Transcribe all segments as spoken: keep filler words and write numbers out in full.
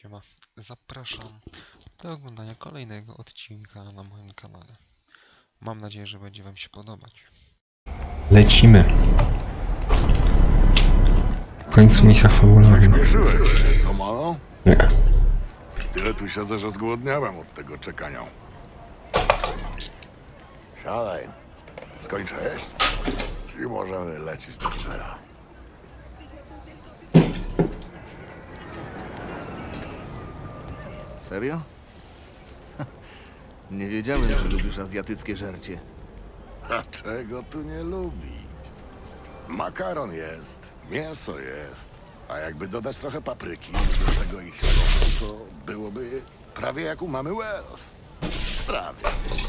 Siema, zapraszam do oglądania kolejnego odcinka na moim kanale. Mam nadzieję, że będzie wam się podobać. Lecimy. W końcu misja fabularna. Śpieszyłeś się, co malo? Nie. Tyle tu siedzę, że zgłodniałem od tego czekania. Siadaj. Skończę jeść i możemy lecieć do Libera. Serio? Nie wiedziałem, że lubisz azjatyckie żarcie. A czego tu nie lubić? Makaron jest, mięso jest, a jakby dodać trochę papryki do tego ich sosu, to byłoby prawie jak u mamy Wells. Prawie.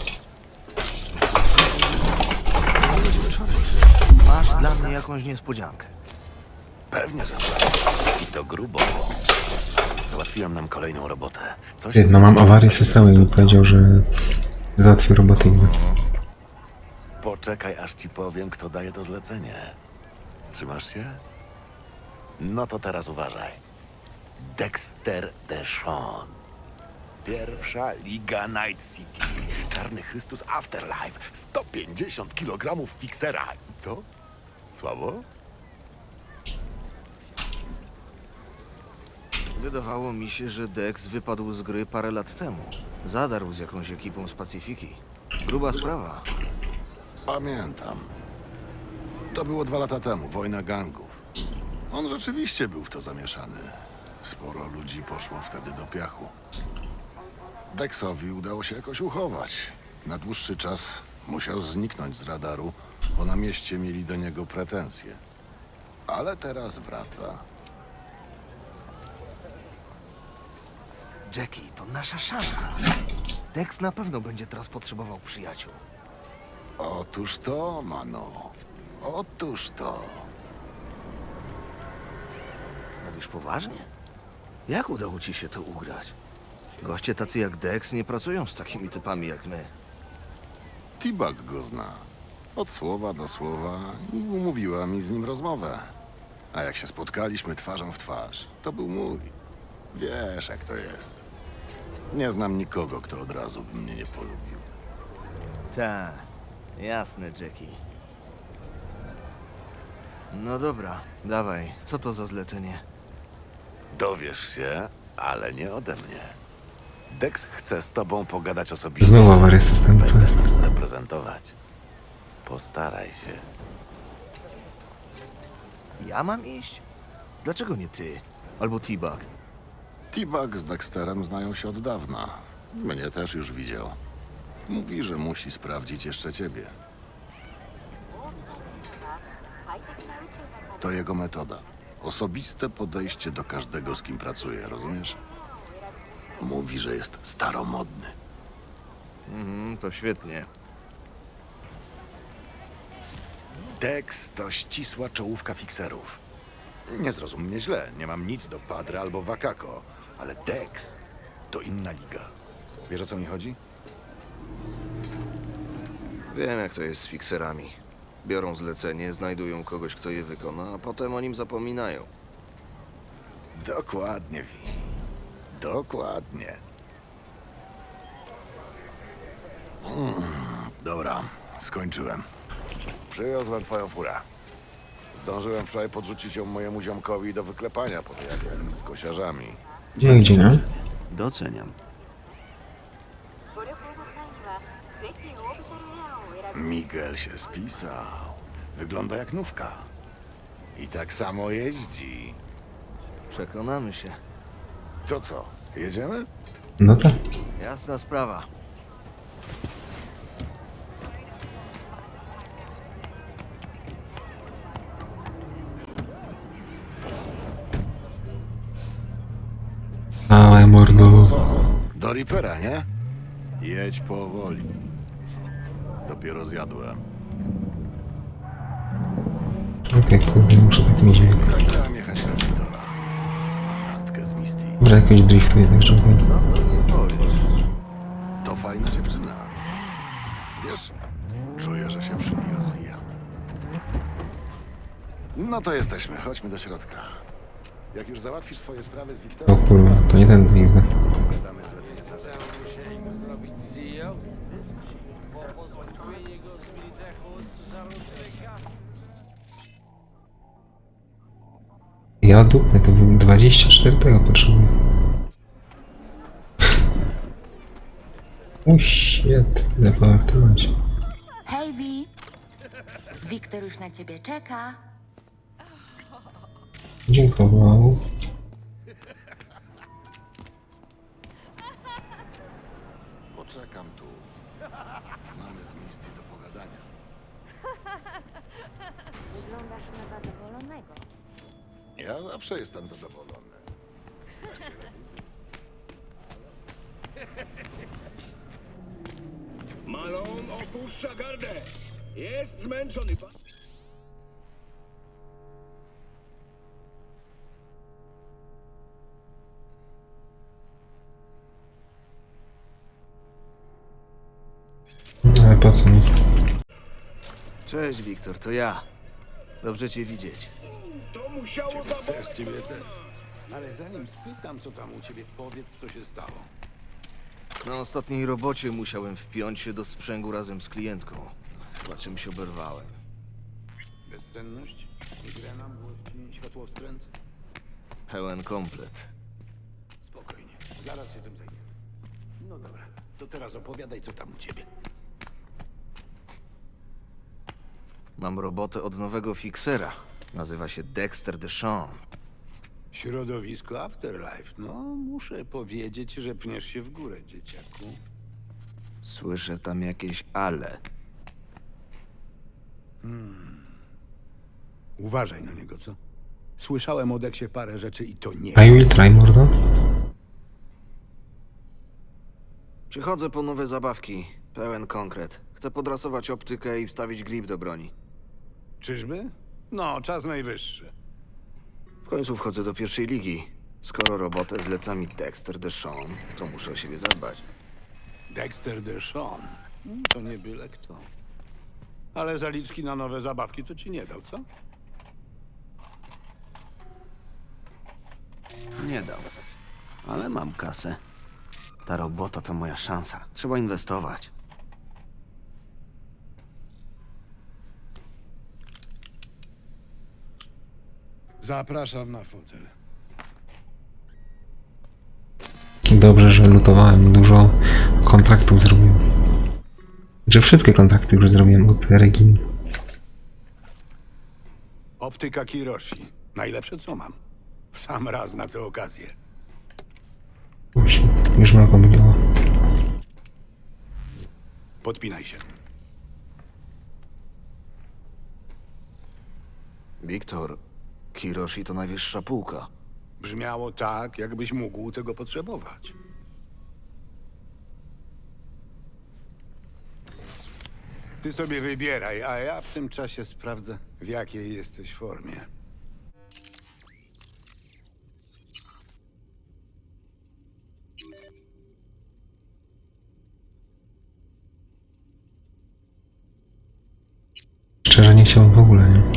Mówiłeś wczoraj, że masz dla mnie jakąś niespodziankę. Pewnie, że i to grubo. Załatwiłem nam kolejną robotę. Coś Ty, no mam awarię systemu i mi powiedział, że załatwił robotę inną. Poczekaj, aż ci powiem, kto daje to zlecenie. Trzymasz się? No to teraz uważaj. Dexter Deshawn. Pierwsza Liga Night City. Czarny Chrystus Afterlife. sto pięćdziesiąt kilogramów fiksera. I co? Słabo? Wydawało mi się, że Dex wypadł z gry parę lat temu. Zadarł z jakąś ekipą z Pacyfiki. Gruba sprawa. Pamiętam. To było dwa lata temu, wojna gangów. On rzeczywiście był w to zamieszany. Sporo ludzi poszło wtedy do piachu. Dexowi udało się jakoś uchować. Na dłuższy czas musiał zniknąć z radaru, bo na mieście mieli do niego pretensje. Ale teraz wraca. Jackie, to nasza szansa. Dex na pewno będzie teraz potrzebował przyjaciół. Otóż to, mano. Otóż to. Mówisz poważnie? Jak udało ci się to ugrać? Goście tacy jak Dex nie pracują z takimi typami jak my. T-Bag go zna. Od słowa do słowa i umówiła mi z nim rozmowę. A jak się spotkaliśmy twarzą w twarz, to był mój. Wiesz, jak to jest. Nie znam nikogo, kto od razu by mnie nie polubił. Tak, jasne, Jackie. No dobra, dawaj, co to za zlecenie? Dowiesz się, ale nie ode mnie. Dex chce z tobą pogadać osobiście. Znowu awaria systemu, co Będę jest? nas reprezentować. Postaraj się. Ja mam iść? Dlaczego nie ty? Albo T-Bag? T-Bag z Dexterem znają się od dawna. Mnie też już widział. Mówi, że musi sprawdzić jeszcze ciebie. To jego metoda. Osobiste podejście do każdego, z kim pracuje, rozumiesz? Mówi, że jest staromodny. Mhm, to świetnie. Dex to ścisła czołówka fikserów. Nie zrozum mnie źle, nie mam nic do Padre albo Wakako, ale Dex to inna liga. Wiesz, o co mi chodzi? Wiem, jak to jest z fikserami. Biorą zlecenie, znajdują kogoś, kto je wykona, a potem o nim zapominają. Dokładnie, Wi. Dokładnie. Mm, dobra, skończyłem. Przywiozłem twoją furę. Zdążyłem wczoraj podrzucić ją mojemu ziomkowi do wyklepania po tej akcji z kosiarzami. Gdzie, gdzie, nie? Doceniam. Miguel się spisał. Wygląda jak nówka. I tak samo jeździ. Przekonamy się. To co, jedziemy? No tak. Jasna sprawa. Ale mordo. Co? Do Reapera, nie? Jedź powoli. Dopiero zjadłem. Okej, kurde, muszę tak mieć. Tak miałem jechać do Wiktora. Mam randkę z Misty. Dobra, jakoś driftu jednak, żeby... Co ty nie powiesz? To fajna dziewczyna. Wiesz, czuję, że się przy niej rozwija. No to jesteśmy, chodźmy do środka. Jak już załatwisz swoje sprawy z O Wiktorem, kurwa, to nie ten widzę. damy zlecenie dla rzeczy. Musieli go zrobić C E O, bo pozbawienie go z Militechu z żaru człowieka. Ja dupę, to był dwadzieścia cztery tego potrzebuję. O shit, idę powartować. Hej, Wi. Wiktor już na ciebie czeka. Dziękował. Poczekam tu. Mamy z Misty do pogadania. Wyglądasz na zadowolonego. Ja zawsze jestem zadowolony. Malone opuszcza gardę. Jest zmęczony. pa- Ale po co mi? Cześć, Wiktor, to ja. Dobrze cię widzieć. To musiało zaboleć. Ciebie też. Ale zanim spytam, co tam u ciebie, powiedz, co się stało. Na ostatniej robocie musiałem wpiąć się do sprzęgu razem z klientką. Chyba czymś oberwałem. Bezsenność? Migrena, młości, światłowstręt? Pełen komplet. Spokojnie, zaraz się tym zajmie. No dobra, to teraz opowiadaj, co tam u ciebie. Mam robotę od nowego fiksera. Nazywa się Dexter Deshawn. Środowisko Afterlife. No, muszę powiedzieć, że pniesz się w górę, dzieciaku. Słyszę tam jakieś ale. Uważaj na niego, co? Słyszałem o Deksie parę rzeczy i to nie... I will try, mordo. Przychodzę po nowe zabawki. Pełen konkret. Chcę podrasować optykę i wstawić grip do broni. Czyżby? No, czas najwyższy. W końcu wchodzę do pierwszej ligi. Skoro robotę zleca mi Dexter Deshawn, to muszę o siebie zadbać. Dexter Deshawn. Mm, To nie byle kto. Ale zaliczki na nowe zabawki to ci nie dał, co? Nie dam. Ale mam kasę. Ta robota to moja szansa. Trzeba inwestować. Zapraszam na fotel. Dobrze, że lutowałem, dużo kontraktów zrobiłem. Że wszystkie kontrakty już zrobiłem od Reginy. Optyka Kiroshi. Najlepsze co mam. W sam raz na tę okazję. Właśnie, już mnie pomyliło. Podpinaj się. Wiktor, Kiroshi to najwyższa półka. Brzmiało tak, jakbyś mógł tego potrzebować. Ty sobie wybieraj, a ja w tym czasie sprawdzę, w jakiej jesteś formie. Szczerze nie chciałbym w ogóle, nie?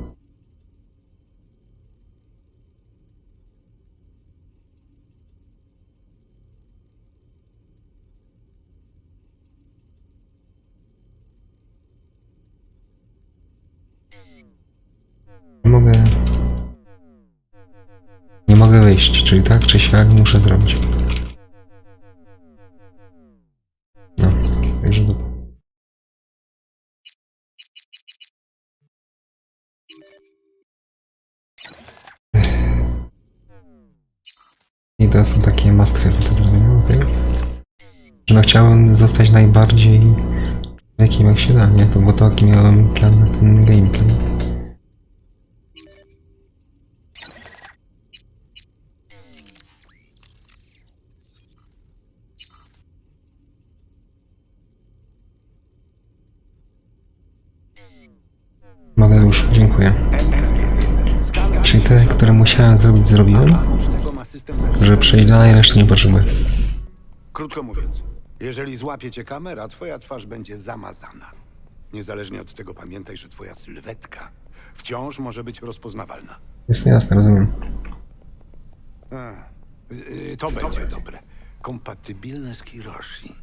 Nie mogę... Nie mogę wyjść, czyli tak czy siak muszę zrobić. No, także do... I to są takie must have do zrobienia, okej? Że no chciałem zostać najbardziej jakim jak się da, nie? To było to, jaki miałem plan na ten gameplay. Mogę już, dziękuję. Czyli te, które musiałem zrobić, zrobiłem? Oprócz tego ma system za- Że przejdę, reszty nie potrzebuję. Krótko mówiąc, jeżeli złapie cię kamera, twoja twarz będzie zamazana. Niezależnie od tego pamiętaj, że twoja sylwetka wciąż może być rozpoznawalna. Jest jasne, rozumiem. A, y, to będzie dobre. Kompatybilne z Kiroshi.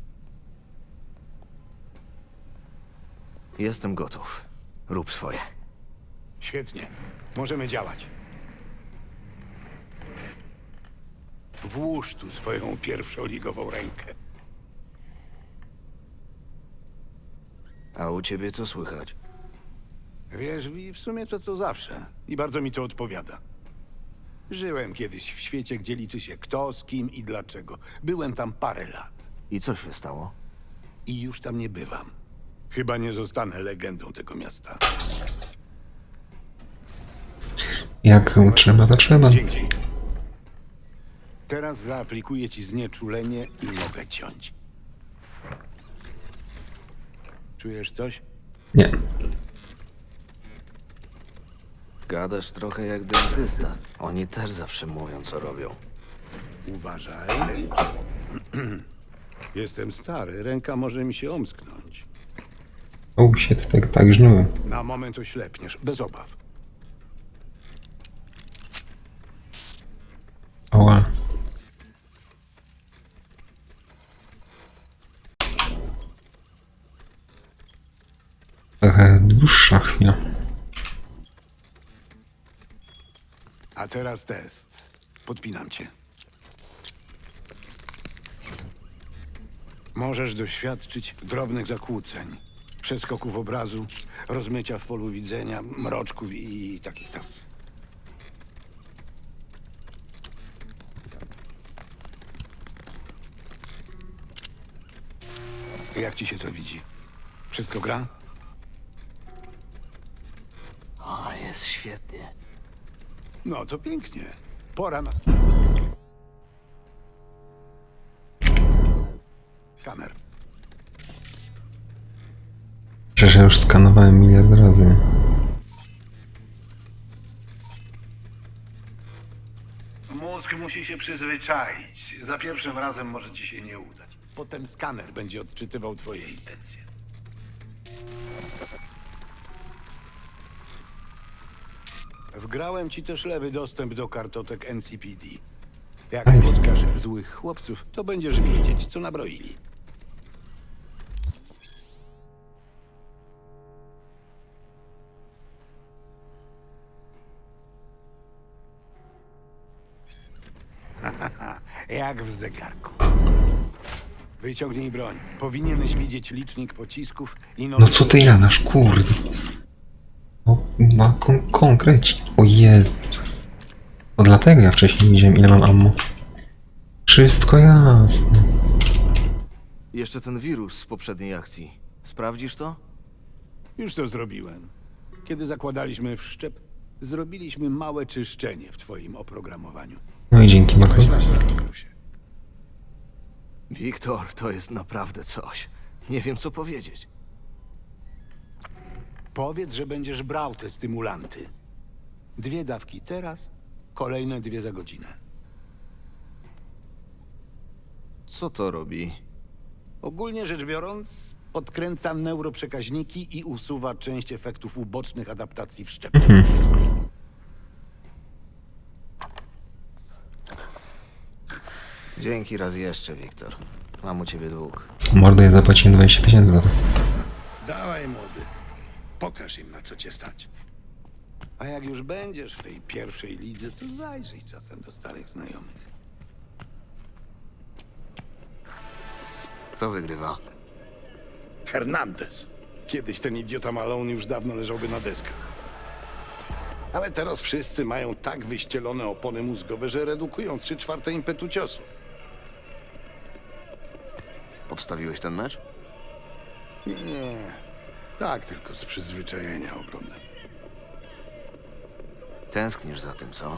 Jestem gotów. Rób swoje. Świetnie. Możemy działać. Włóż tu swoją pierwszoligową rękę. A u ciebie co słychać? Wiesz, Wi, w sumie to co zawsze. I bardzo mi to odpowiada. Żyłem kiedyś w świecie, gdzie liczy się kto, z kim i dlaczego. Byłem tam parę lat. I co się stało? I już tam nie bywam. Chyba nie zostanę legendą tego miasta. Jak trzeba, to trzeba. Dzięki. Teraz zaaplikuję ci znieczulenie i mogę ciąć. Czujesz coś? Nie. Gadasz trochę jak dentysta. Oni też zawsze mówią, co robią. Uważaj. Jestem stary, ręka może mi się omsknąć. O, się tak, tak żnułem. Na moment oślepniesz, bez obaw. Oła. Trochę dłuższa chwila. A teraz test. Podpinam cię. Możesz doświadczyć drobnych zakłóceń, przeskoków obrazu, rozmycia w polu widzenia, mroczków i takich tam. Jak ci się to widzi? Wszystko gra? O, jest świetnie. No to pięknie. Pora na... Skaner. Przecież ja już skanowałem miliard razy. Mózg musi się przyzwyczaić. Za pierwszym razem może ci się nie udać. Potem skaner będzie odczytywał twoje intencje. Wgrałem ci też lewy dostęp do kartotek N C P D. Jak spotkasz złych chłopców, to będziesz wiedzieć, co nabroili. Jak w zegarku. Wyciągnij broń. Powinieneś widzieć licznik pocisków i No co ty jadasz, kurde. No, ma kon konkrecie. O Jezus. To dlatego ja wcześniej nie wiedziałem, ile mam ammo. Wszystko jasne. Jeszcze ten wirus z poprzedniej akcji. Sprawdzisz to? Już to zrobiłem. Kiedy zakładaliśmy wszczep, zrobiliśmy małe czyszczenie w twoim oprogramowaniu. No i dzięki, Mako. Wiktor, to jest naprawdę coś. Nie wiem, co powiedzieć. Powiedz, że będziesz brał te stymulanty. Dwie dawki teraz, kolejne dwie za godzinę. Co to robi? Ogólnie rzecz biorąc, podkręca neuroprzekaźniki i usuwa część efektów ubocznych adaptacji wszczepu. Dzięki raz jeszcze, Wiktor. Mam u ciebie dług. Mordo, ja zapłaciłem dwadzieścia tysięcy za to. Dawaj, młody. Pokaż im, na co cię stać. A jak już będziesz w tej pierwszej lidze, to zajrzyj czasem do starych znajomych. Kto wygrywa? Hernandez. Kiedyś ten idiota Malone już dawno leżałby na deskach. Ale teraz wszyscy mają tak wyścielone opony mózgowe, że redukują trzy czwarte impetu ciosu. Obstawiłeś ten mecz? Nie, tak tylko z przyzwyczajenia oglądam. Tęsknisz za tym, co?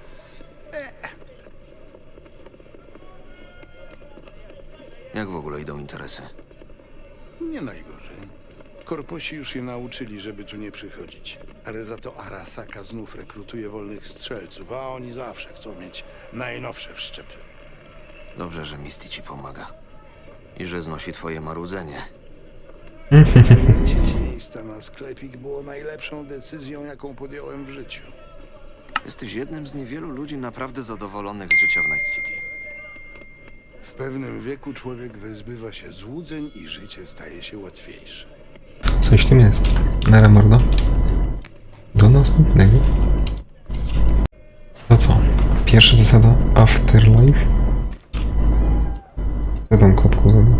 Jak w ogóle idą interesy? Nie najgorzej. Korposi już się nauczyli, żeby tu nie przychodzić. Ale za to Arasaka znów rekrutuje wolnych strzelców, a oni zawsze chcą mieć najnowsze wszczepy. Dobrze, że Misty ci pomaga. I że znosi twoje marudzenie. Wynajęcie miejsca na sklepik było najlepszą decyzją, jaką podjąłem w życiu. Jesteś jednym z niewielu ludzi naprawdę zadowolonych z życia w Night City. W pewnym wieku człowiek wyzbywa się złudzeń i życie staje się łatwiejsze. Coś w tym jest. Nara mordo. Do następnego. To co? Pierwsza zasada Afterlife. Co tam kotku robi?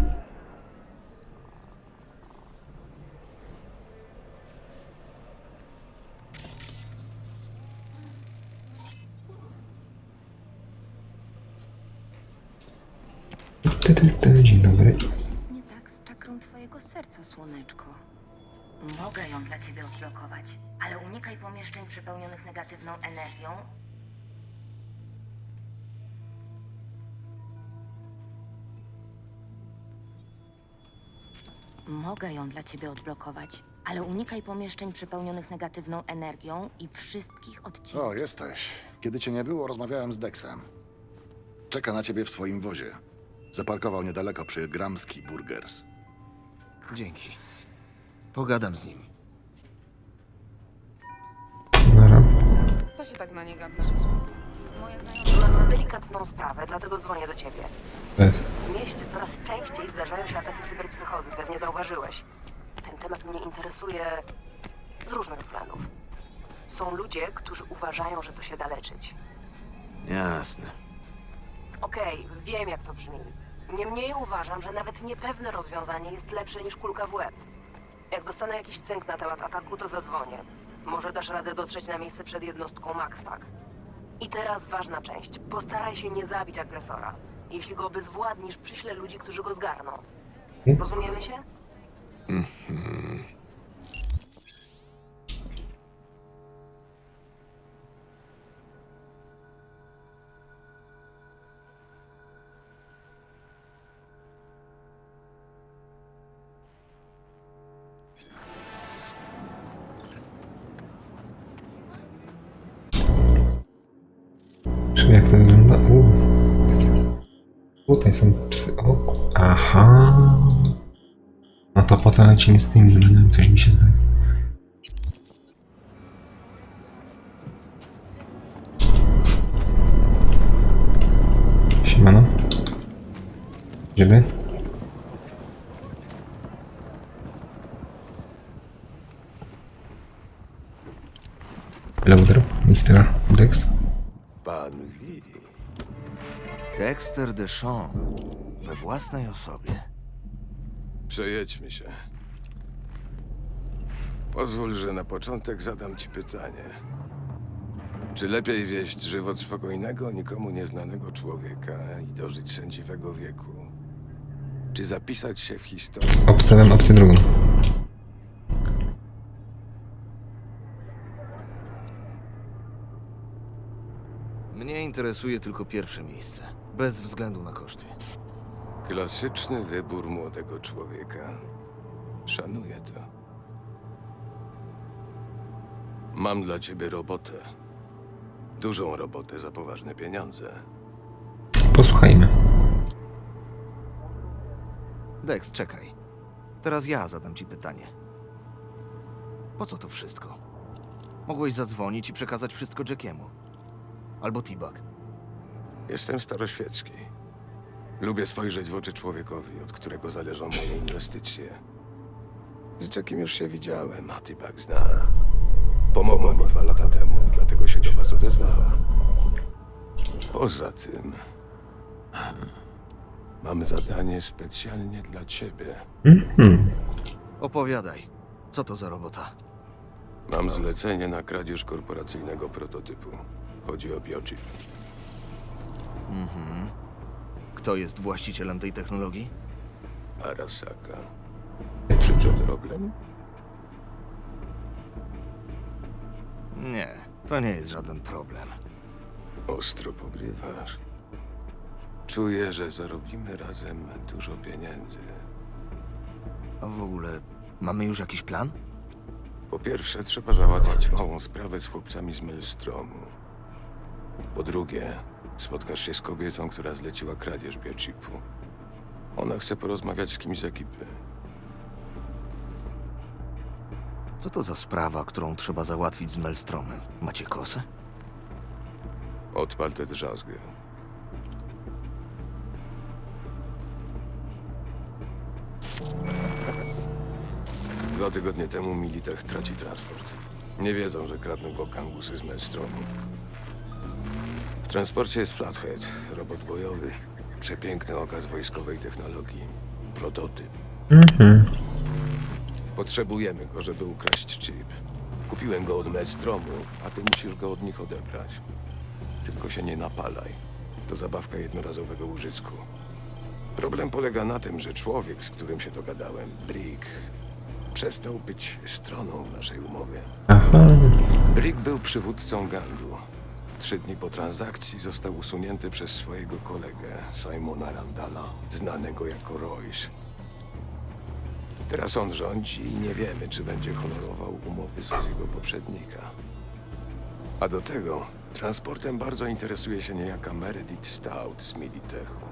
Ty, ty, ty, dzień dobry. Coś jest nie tak z czakrą twojego serca, słoneczko. Mogę ją dla ciebie odblokować, ale unikaj pomieszczeń przepełnionych negatywną energią. Mogę ją dla ciebie odblokować, ale unikaj pomieszczeń przepełnionych negatywną energią i wszystkich odcinków. O, jesteś. Kiedy cię nie było, rozmawiałem z Dexem. Czeka na ciebie w swoim wozie. Zaparkował niedaleko przy Gramski Burgers. Dzięki. Pogadam z nim. Nara. Co się tak na nie gapisz? Moja znajoma... Mam delikatną sprawę, dlatego dzwonię do ciebie. Bez. W mieście coraz częściej zdarzają się ataki cyberpsychozy, pewnie zauważyłeś. Ten temat mnie interesuje z różnych względów. Są ludzie, którzy uważają, że to się da leczyć. Jasne. Okej, wiem jak to brzmi. Niemniej uważam, że nawet niepewne rozwiązanie jest lepsze niż kulka w łeb. Jak dostanę jakiś cynk na temat ataku, to zadzwonię. Może dasz radę dotrzeć na miejsce przed jednostką Max, tak? I teraz ważna część. Postaraj się nie zabić agresora. Jeśli go obezwładnisz, przyślę ludzi, którzy go zgarną. Rozumiemy się? Czy jak to wygląda? U. Tutaj są psy. O, ku- aha. No to potem lecimy z tymi zadaniami, coś mi się zdaje. Siemano. Gdzieby? Hello there, mister Dex. Pan Wi. Dexter Deshawn. We własnej osobie. Przejedźmy się. Pozwól, że na początek zadam ci pytanie. Czy lepiej wieść żywot spokojnego, nikomu nieznanego człowieka i dożyć sędziwego wieku? Czy zapisać się w historii? Obstawiam opcję drugą. Mnie interesuje tylko pierwsze miejsce. Bez względu na koszty. Klasyczny wybór młodego człowieka. Szanuję to. Mam dla ciebie robotę. Dużą robotę za poważne pieniądze. Posłuchajmy. Dex, czekaj. Teraz ja zadam ci pytanie. Po co to wszystko? Mogłeś zadzwonić i przekazać wszystko Jackiemu. Albo T-Bug. Jestem staroświecki. Lubię spojrzeć w oczy człowiekowi, od którego zależą moje inwestycje. Z Jackiem już się widziałem, a T-Bug zna. Pomogła mi dwa lata temu i dlatego się do was odezwała. Poza tym... Mam zadanie specjalnie dla ciebie. Mhm. Opowiadaj. Co to za robota? Mam zlecenie na kradzież korporacyjnego prototypu. Chodzi o biochip. Mhm. Kto jest właścicielem tej technologii? Arasaka. Czy to problem? Nie, to nie jest żaden problem. Ostro pogrywasz. Czuję, że zarobimy razem dużo pieniędzy. A w ogóle mamy już jakiś plan? Po pierwsze, trzeba załatwić małą sprawę z chłopcami z Maelstromu. Po drugie, spotkasz się z kobietą, która zleciła kradzież biochipu. Ona chce porozmawiać z kimś z ekipy. Co to za sprawa, którą trzeba załatwić z Maelstromem? Macie kosę? Odpal tę drzazgę. Dwa tygodnie temu Militech traci transport. Nie wiedzą, że kradną go gangusy z Maelstromu. W transporcie jest Flathead, robot bojowy. Przepiękny okaz wojskowej technologii. Prototyp. Mhm. Potrzebujemy go, żeby ukraść chip. Kupiłem go od Maelstromu, a ty musisz go od nich odebrać. Tylko się nie napalaj. To zabawka jednorazowego użytku. Problem polega na tym, że człowiek, z którym się dogadałem, Brick, przestał być stroną w naszej umowie. Aha. Brick był przywódcą gangu. Trzy dni po transakcji został usunięty przez swojego kolegę, Simona Randala, znanego jako Royce. Teraz on rządzi i nie wiemy, czy będzie honorował umowy swojego poprzednika. A do tego transportem bardzo interesuje się niejaka Meredith Stout z Militechu.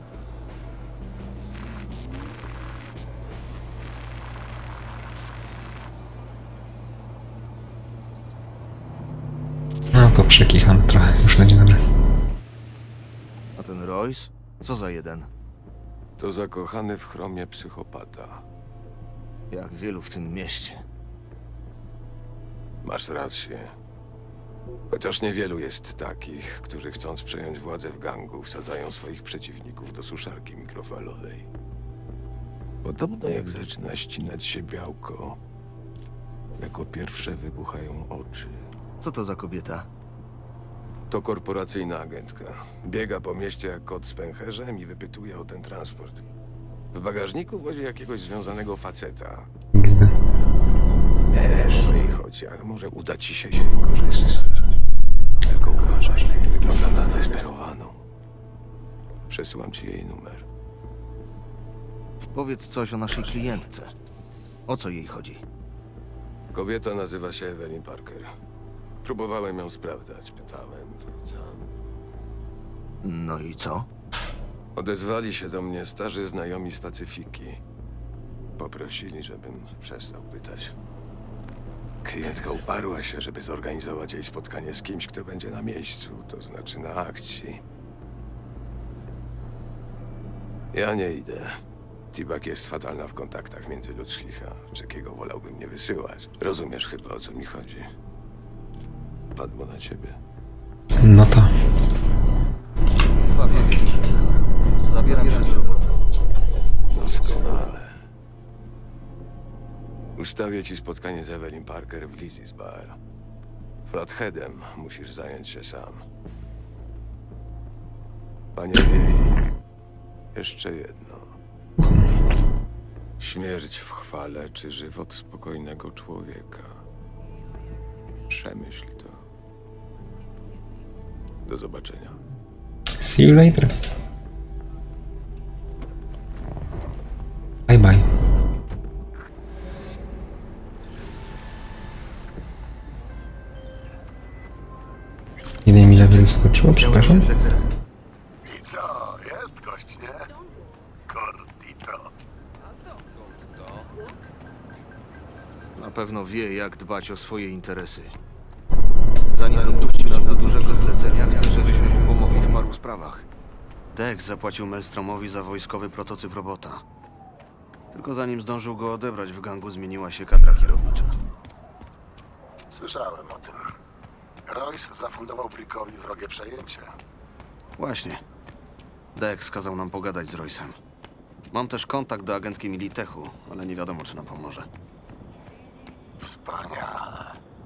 No to przekicham trochę, już będzie dobre. A ten Royce? Co za jeden? To zakochany w chromie psychopata. Jak wielu w tym mieście. Masz rację. Chociaż niewielu jest takich, którzy chcąc przejąć władzę w gangu, wsadzają swoich przeciwników do suszarki mikrofalowej. Podobno jak zaczyna ścinać się białko, jako pierwsze wybuchają oczy. Co to za kobieta? To korporacyjna agentka. Biega po mieście jak kot z pęcherzem i wypytuje o ten transport. W bagażniku wozi jakiegoś związanego faceta. X D. Nie wiem, o co jej chodzi, ale może uda ci się się wykorzystać. Tylko uważaj, wygląda na zdesperowaną. Przesyłam ci jej numer. Powiedz coś o naszej klientce. O co jej chodzi? Kobieta nazywa się Evelyn Parker. Próbowałem ją sprawdzać, pytałem, to i tam. No i co? Odezwali się do mnie starzy znajomi z Pacyfiki. Poprosili, żebym przestał pytać. Klientka uparła się, żeby zorganizować jej spotkanie z kimś, kto będzie na miejscu, to znaczy na akcji. Ja nie idę. T-Bag jest fatalna w kontaktach międzyludzkich, a Jackiego wolałbym nie wysyłać. Rozumiesz chyba, o co mi chodzi. Padło na ciebie. No to. Chyba wiem już wszystko. Zabieram się do roboty. Doskonale. Ustawię ci spotkanie z Evelyn Parker w Lizzie's Bar. Flatheadem musisz zająć się sam. Panie Wiej, jeszcze jedno. Śmierć w chwale czy żywot spokojnego człowieka. Przemyśl to. Do zobaczenia. See you later. Bye bye. Nie wiem ile by wskoczyło, przepraszam. I co, jest gość, nie? Gordito. Na pewno wie, jak dbać o swoje interesy. Zanim dopuści nas do dużego zlecenia, chce, żebyśmy mu pomogli w paru sprawach. Dex zapłacił Maelstromowi za wojskowy prototyp robota. Tylko zanim zdążył go odebrać, w gangu zmieniła się kadra kierownicza. Słyszałem o tym. Royce zafundował Brickowi wrogie przejęcie. Właśnie. Dex kazał nam pogadać z Royce'em. Mam też kontakt do agentki Militechu, ale nie wiadomo, czy nam pomoże. Wspaniale.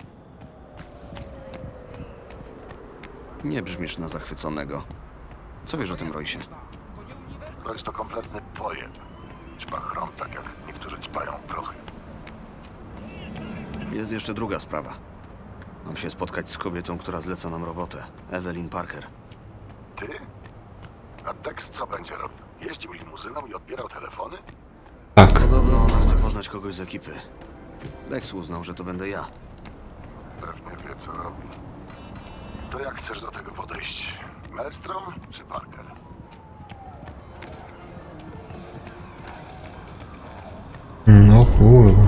Nie brzmisz na zachwyconego. Co wiesz o tym Royce'ie? Royce to kompletny pojeb. Ćpa chrom tak jak niektórzy ćpają prochy. Jest jeszcze druga sprawa. Mam się spotkać z kobietą, która zleca nam robotę. Evelyn Parker. Ty? A Dex co będzie robił? Jeździł limuzyną i odbierał telefony? Tak. Podobno ona chce poznać kogoś z ekipy. Dex uznał, że to będę ja. Pewnie wie, co robi. To jak chcesz do tego podejść? Maelstrom czy Parker? No kurwa.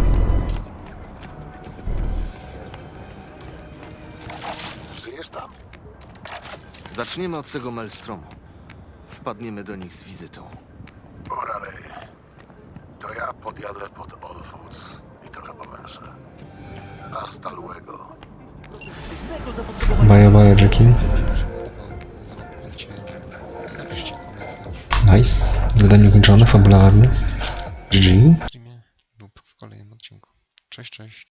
Żyjesz tam? Zaczniemy od tego Maelstromu. Wpadniemy do nich z wizytą. Oralej. To ja podjadę pod All Foods i trochę powęszę. Hasta luego. Baja, baja, Jackie. Napiszcie komentarz Nice. Zadanie zliczone, fabularne. G G. w streamie lub w kolejnym odcinku. Cześć, cześć.